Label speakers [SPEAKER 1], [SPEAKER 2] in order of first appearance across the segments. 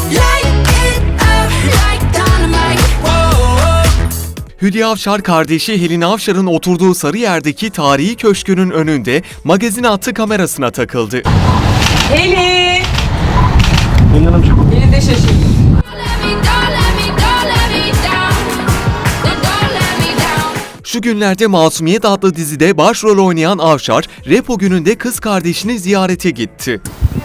[SPEAKER 1] Hülya Avşar kardeşi Helin Avşar'ın oturduğu Sarıyer'deki tarihi köşkünün önünde magazin hattı kamerasına takıldı.
[SPEAKER 2] Helin!
[SPEAKER 3] Helin Hanımcığım.
[SPEAKER 2] Helin de şaşırdı.
[SPEAKER 1] Şu günlerde Masumiyet adlı dizide başrol oynayan Avşar, Repo gününde kız kardeşini ziyarete gitti.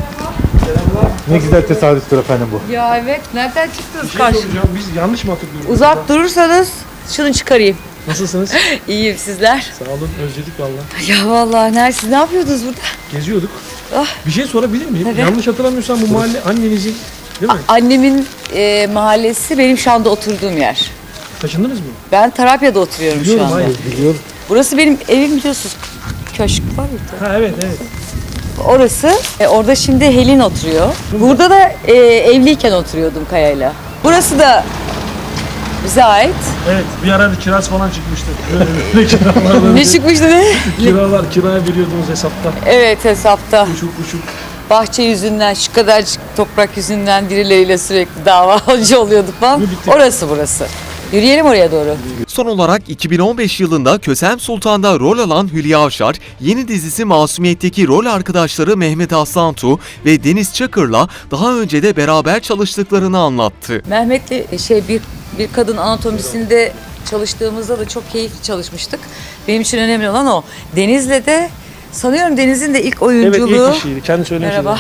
[SPEAKER 3] Ne güzel tesadüftür efendim bu.
[SPEAKER 2] Ya evet, nereden çıktınız
[SPEAKER 3] Bir şey
[SPEAKER 2] karşı?
[SPEAKER 3] soracağım, biz yanlış mı hatırlıyoruz?
[SPEAKER 2] Uzak durursanız şunu çıkarayım.
[SPEAKER 3] Nasılsınız?
[SPEAKER 2] İyiyim, sizler?
[SPEAKER 3] Sağ olun, özledik valla.
[SPEAKER 2] Ya vallahi siz ne yapıyordunuz burada?
[SPEAKER 3] Geziyorduk.
[SPEAKER 2] Ah.
[SPEAKER 3] Bir şey sorabilir miyim?
[SPEAKER 2] Tabii.
[SPEAKER 3] Yanlış hatırlamıyorsam bu mahalle annenizin değil mi?
[SPEAKER 2] Annemin mahallesi benim şu anda oturduğum yer.
[SPEAKER 3] Taşındınız mı?
[SPEAKER 2] Ben Tarabya'da oturuyorum şu
[SPEAKER 3] Biliyorum,
[SPEAKER 2] anda.
[SPEAKER 3] hayır, biliyorum.
[SPEAKER 2] Burası benim evim, biliyorsunuz. Köşk var ya.
[SPEAKER 3] Ha evet, evet.
[SPEAKER 2] Orası. Orada şimdi Helin oturuyor. Burada da evliyken oturuyordum Kaya'yla. Burası da bize ait.
[SPEAKER 3] Evet, bir ara bir kiraz falan çıkmıştı. Böyle kiralar,
[SPEAKER 2] Ne çıkmıştı ne?
[SPEAKER 3] kiralar, kiraya veriyordunuz hesapta.
[SPEAKER 2] Evet, hesapta.
[SPEAKER 3] Uçuk uçuk.
[SPEAKER 2] Bahçe yüzünden, şu kadarcık toprak yüzünden birileriyle sürekli davacı oluyorduk falan.
[SPEAKER 3] Bitti.
[SPEAKER 2] Orası burası. Yürüyelim oraya doğru.
[SPEAKER 1] Son olarak 2015 yılında Kösem Sultan'da rol alan Hülya Avşar, yeni dizisi Masumiyet'teki rol arkadaşları Mehmet Aslantu ve Deniz Çakır'la daha önce de beraber çalıştıklarını anlattı.
[SPEAKER 2] Mehmet'le bir kadın anatomisinde çalıştığımızda da çok keyifli çalışmıştık. Benim için önemli olan o. Deniz'le de sanıyorum Deniz'in de ilk oyunculuğu.
[SPEAKER 3] Evet, ilk kişiydi. Kendi söylemişti.
[SPEAKER 2] Merhaba.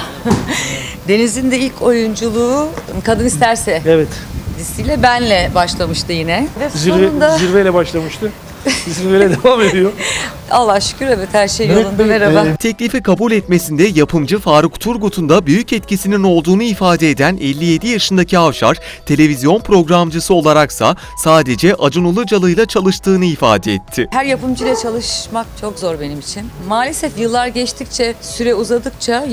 [SPEAKER 2] Deniz'in de ilk oyunculuğu Kadın İsterse
[SPEAKER 3] Evet.
[SPEAKER 2] dizisiyle benle başlamıştı yine. Ve sonunda
[SPEAKER 3] Zirveyle başlamıştı. Zirveyle devam ediyor.
[SPEAKER 2] Allah şükür evet her şey
[SPEAKER 3] Mehmet
[SPEAKER 2] yolunda.
[SPEAKER 3] Bey,
[SPEAKER 2] Merhaba.
[SPEAKER 1] Teklifi kabul etmesinde yapımcı Faruk Turgut'un da büyük etkisinin olduğunu ifade eden 57 yaşındaki Avşar, televizyon programcısı olaraksa sadece Acun Ilıcalı ile çalıştığını ifade etti.
[SPEAKER 2] Her yapımcıyla çalışmak çok zor benim için. Maalesef yıllar geçtikçe, süre uzadıkça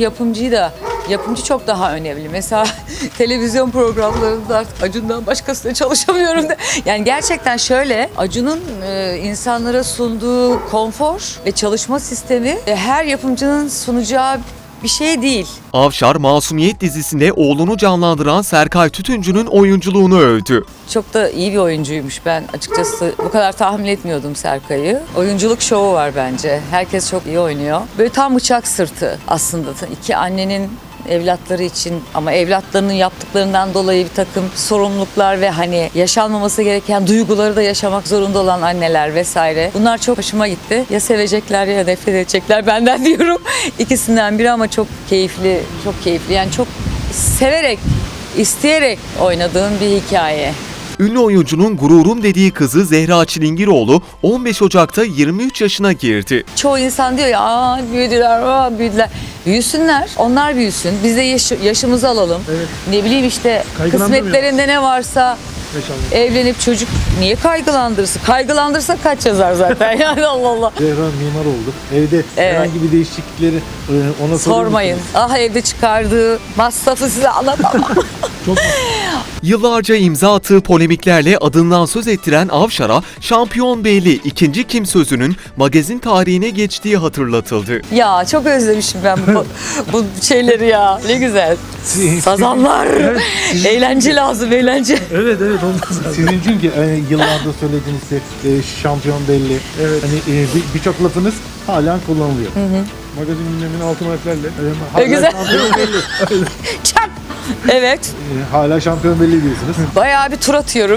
[SPEAKER 2] yapımcı çok daha önemli. Mesela televizyon programlarında artık Acun'dan başkasıyla çalışamıyorum da. Yani gerçekten şöyle, Acun'un insanlara sunduğu konfor ve çalışma sistemi her yapımcının sunacağı bir şey değil.
[SPEAKER 1] Avşar, Masumiyet dizisinde oğlunu canlandıran Serkay Tütüncü'nün oyunculuğunu övdü.
[SPEAKER 2] Çok da iyi bir oyuncuymuş. Ben açıkçası bu kadar tahmin etmiyordum Serkay'ı. Oyunculuk şovu var bence. Herkes çok iyi oynuyor. Böyle tam bıçak sırtı aslında. İki annenin evlatları için ama evlatlarının yaptıklarından dolayı bir takım sorumluluklar ve hani yaşanmaması gereken duyguları da yaşamak zorunda olan anneler vesaire. Bunlar çok hoşuma gitti. Ya sevecekler ya nefret edecekler benden diyorum. İkisinden biri ama çok keyifli, çok keyifli. Yani çok severek, isteyerek oynadığım bir hikaye.
[SPEAKER 1] Ünlü oyuncunun gururum dediği kızı Zehra Çilingiroğlu 15 Ocak'ta 23 yaşına girdi.
[SPEAKER 2] Çoğu insan diyor ya büyüdüler, büyüdüler. Büyüsünler, onlar büyüsün. Biz de yaşımızı alalım.
[SPEAKER 3] Evet.
[SPEAKER 2] Ne bileyim işte
[SPEAKER 3] Kaygılandırmıyor.
[SPEAKER 2] kısmetlerinde ne varsa
[SPEAKER 3] Yaşandı.
[SPEAKER 2] evlenip çocuk niye kaygılandırsın? Kaygılandırsa kaç yazar zaten yani Allah Allah.
[SPEAKER 3] Zehra mimar oldu. Evde
[SPEAKER 2] Evet.
[SPEAKER 3] herhangi bir değişiklikleri ona
[SPEAKER 2] Sormayın. Ah evde çıkardığı masrafı size anlatamam.
[SPEAKER 3] Çok
[SPEAKER 1] Yıllarca imza attığı polemiklerle adından söz ettiren Avşar'a şampiyon belli ikinci kim sözünün magazin tarihine geçtiği hatırlatıldı.
[SPEAKER 2] Ya çok özlemişim ben bu şeyleri ya. Ne güzel. Sazanlar. Eğlence lazım, eğlence.
[SPEAKER 3] Evet ondan zaten.
[SPEAKER 4] Sizin çünkü yıllardır söylediğiniz şampiyon belli.
[SPEAKER 3] Evet.
[SPEAKER 4] Hani birçok lafınız halen kullanılıyor.
[SPEAKER 3] Magazin gündeminin altın harflerle.
[SPEAKER 4] Hala
[SPEAKER 2] güzel.
[SPEAKER 4] şampiyon belli.
[SPEAKER 2] Çak. Evet.
[SPEAKER 4] Hala şampiyon belli diyorsunuz.
[SPEAKER 2] Bayağı bir tur atıyorum.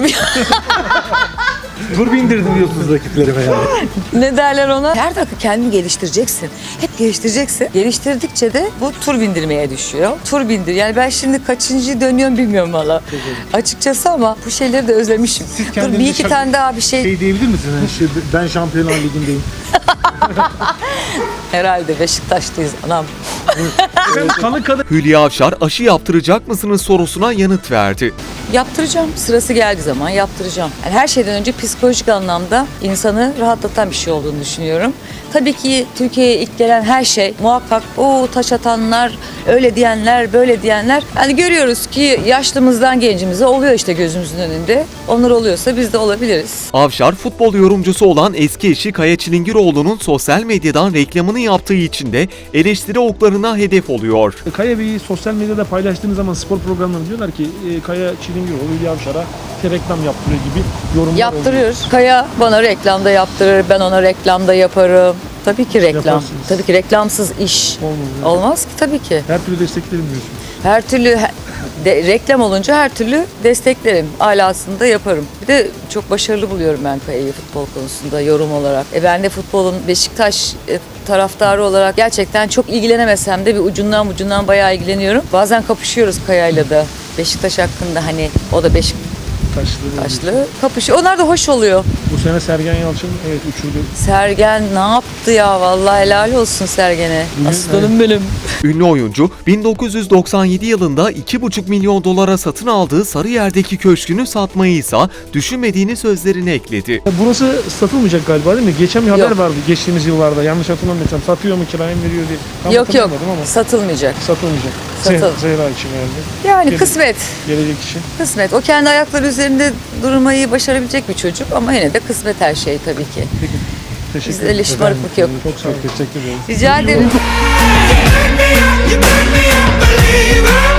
[SPEAKER 4] Tur bindirdim diyorsunuz rakiplerime yani.
[SPEAKER 2] Ne derler ona? Her dakika kendini geliştireceksin. Hep geliştireceksin. Geliştirdikçe de bu tur bindirmeye düşüyor. Tur bindir. Yani ben şimdi kaçıncı dönüyorum bilmiyorum valla. Açıkçası ama bu şeyleri de özlemişim.
[SPEAKER 4] Siz
[SPEAKER 2] Dur
[SPEAKER 4] kendinize
[SPEAKER 2] bir iki tane daha bir şey.
[SPEAKER 4] Şey diyebilir misiniz? Yani ben Şampiyonlar Ligi'ndeyim.
[SPEAKER 2] Herhalde Beşiktaş'tayız anam.
[SPEAKER 3] Kanı kadar.
[SPEAKER 1] Hülya Avşar aşı yaptıracak mısınız sorusuna yanıt verdi.
[SPEAKER 2] Yaptıracağım. Sırası geldiği zaman yaptıracağım. Yani her şeyden önce psikolojik anlamda insanı rahatlatan bir şey olduğunu düşünüyorum. Tabii ki Türkiye'ye ilk gelen her şey muhakkak o taş atanlar, öyle diyenler, böyle diyenler. Yani görüyoruz ki yaşlımızdan gencimize oluyor işte gözümüzün önünde. Onlar oluyorsa biz de olabiliriz.
[SPEAKER 1] Avşar futbol yorumcusu olan eski eşi Kaya Çilingiroğlu'nun sosyal medyadan reklamını yaptığı için de eleştiri oklarını oyuncularına hedef oluyor.
[SPEAKER 3] Kaya Bey'i sosyal medyada paylaştığınız zaman spor programlarında diyorlar ki Kaya Çilingiroğlu Hülya Avşar'a işte reklam yaptırıyor gibi yorumlar
[SPEAKER 2] Yaptırıyor.
[SPEAKER 3] oluyor.
[SPEAKER 2] Kaya bana reklamda yaptırır, ben ona reklamda yaparım. Tabii ki reklam.
[SPEAKER 3] Yaparsınız.
[SPEAKER 2] Tabii ki reklamsız iş
[SPEAKER 3] Olmaz.
[SPEAKER 2] olmaz ki tabii ki.
[SPEAKER 3] Her türlü desteklerim diyorsunuz.
[SPEAKER 2] Her türlü reklam olunca her türlü desteklerim. Alasında yaparım. Bir de çok başarılı buluyorum ben Kaya'yı futbol konusunda yorum olarak. Ben de futbolun Beşiktaş taraftarı olarak gerçekten çok ilgilenemesem de bir ucundan bayağı ilgileniyorum. Bazen kapışıyoruz Kaya'yla da. Beşiktaş hakkında hani o da Beşiktaşlı kapışıyor. Onlar da hoş oluyor.
[SPEAKER 3] Bu sene Sergen Yalçın evet uçurdu.
[SPEAKER 2] Sergen ne yaptı ya? Vallahi helal olsun Sergen'e. Aslanım benim.
[SPEAKER 1] Ünlü oyuncu 1997 yılında 2,5 milyon dolara satın aldığı Sarıyer'deki köşkünü satmayı ise düşünmediğini sözlerine ekledi.
[SPEAKER 3] Burası satılmayacak galiba değil mi? Geçen bir haber
[SPEAKER 2] Yok.
[SPEAKER 3] vardı geçtiğimiz yıllarda. Yanlış hatırlamıyorsam satıyor mu kiraya mı veriyor diye. Tam
[SPEAKER 2] Yok
[SPEAKER 3] hatırlamadım ama
[SPEAKER 2] satılmayacak.
[SPEAKER 3] satılmayacak. Zehra için herhalde.
[SPEAKER 2] Yani
[SPEAKER 3] Gelecek-
[SPEAKER 2] kısmet.
[SPEAKER 3] Gelecek için.
[SPEAKER 2] Kısmet. O kendi ayakları üzerinde durmayı başarabilecek bir çocuk ama yine de kısmet her şey tabii ki.
[SPEAKER 3] Peki. Teşekkür
[SPEAKER 2] Bizde öyle şımarıklık yok.
[SPEAKER 3] Çok sağ olun. Teşekkür ederim.
[SPEAKER 2] Rica ederim.
[SPEAKER 5] You make me a believer.